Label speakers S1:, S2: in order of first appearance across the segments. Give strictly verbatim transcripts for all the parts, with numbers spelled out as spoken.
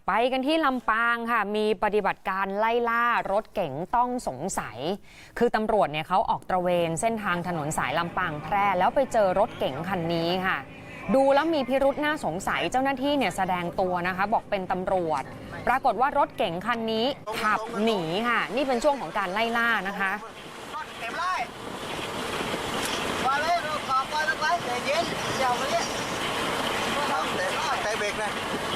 S1: ไปกันที่ลำปางค่ะมีปฏิบัติการไล่ล่ารถเก๋งต้องสงสัยคือตำรวจเนี่ยเขาออกตระเวนเส้นทางถนนสายลำปางแพร่แล้วไปเจอรถเก๋งคันนี้ค่ะดูแล้วมีพิรุธน่าสงสัยเจ้าหน้าที่เนี่ยแสดงตัวนะคะบอกเป็นตำรวจปรากฏว่ารถเก๋งคันนี้ขับหนีค่ะนี่เป็นช่วงของการไล่ล่านะคะ
S2: เต็มไล่มาเลยเราขอบไปแล้วไปใจเย็นเดี๋ยวมาเนี่ยแต่เบรกนะ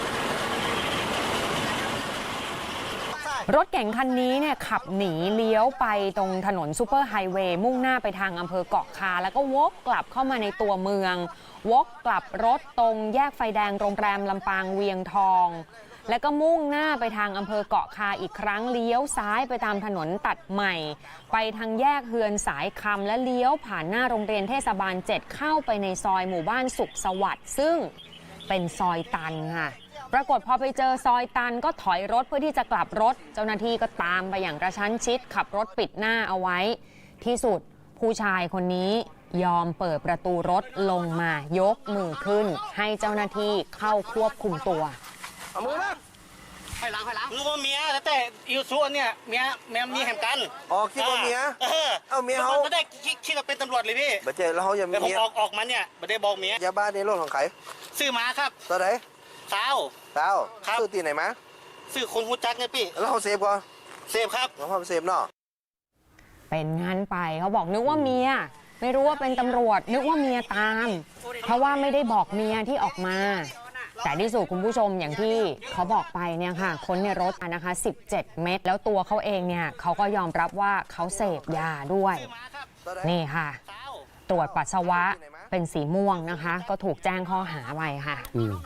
S1: รถเก๋งคันนี้เนี่ยขับหนีเลี้ยวไปตรงถนนซูเปอร์ไฮเวย์มุ่งหน้าไปทางอำเภอเกาะคาแล้วก็วกกลับเข้ามาในตัวเมืองวกกลับรถตรงแยกไฟแดงโรงแรมลำปางเวียงทองแล้วก็มุ่งหน้าไปทางอำเภอเกาะคาอีกครั้งเลี้ยวซ้ายไปตามถนนตัดใหม่ไปทางแยกเฮือนสายคำและเลี้ยวผ่านหน้าโรงเรียนเทศบาลเจ็ดเข้าไปในซอยหมู่บ้านสุขสวัสดิ์ซึ่งเป็นซอยตันค่ะปรากฏพอไปเจอซอยตันก็ถอยรถเพื่อที่จะกลับรถเจ้าหน้าที่ก็ตามไปอย่างกระชั้นชิดขับรถปิดหน้าเอาไว้ที่สุดผู้ชายคนนี้ยอมเปิดประตูรถลงมายกมือขึ้นให้เจ้าหน้าที่เข้าควบคุมตัว
S2: เอามือมาไปหลังไปหลังคือว่าเมียแต่อิวซูเนี่ยเมียเมียมีแห่งกัน
S3: อ๋อคิดว่าเมีย
S2: เออ
S3: เอาเมียเขา
S2: ไม่ได้คิดว่าเป็นตำรวจเลยพี่
S3: บัจเจแล้วเขายังมี
S2: เมียออกออกมาเนี่ยไม่ได้บอกเมีย
S3: ยาบ้าในรถของใคร
S2: ซื้อมาครับ
S3: ตัวไหน
S2: สาว
S3: สาวซื้อตีไหนมา
S2: ซื้อคนหูจักไงพี่
S3: แล้วเขาเซฟก่อน
S2: เซฟครับ
S3: แล้วเขาเซฟเนาะ
S1: เป็นงั้นไปเขาบอกนึกว่าเมียไม่รู้ว่าเป็นตำรวจนึกว่าเมียตามเพราะว่าไม่ได้บอกเมียที่ออกมาแต่ที่สุดคุณผู้ชมอย่างที่เขาบอกไปเนี่ยค่ะคนในรถนะคะสิบเจ็ดเม็ดแล้วตัวเขาเองเนี่ยเขาก็ยอมรับว่าเขาเสพยาด้วยนี่ค่ะตรวจปัสสาวะเป็นสีม่วงนะคะก็ถูกแจ้งข้อหาไปค่ะ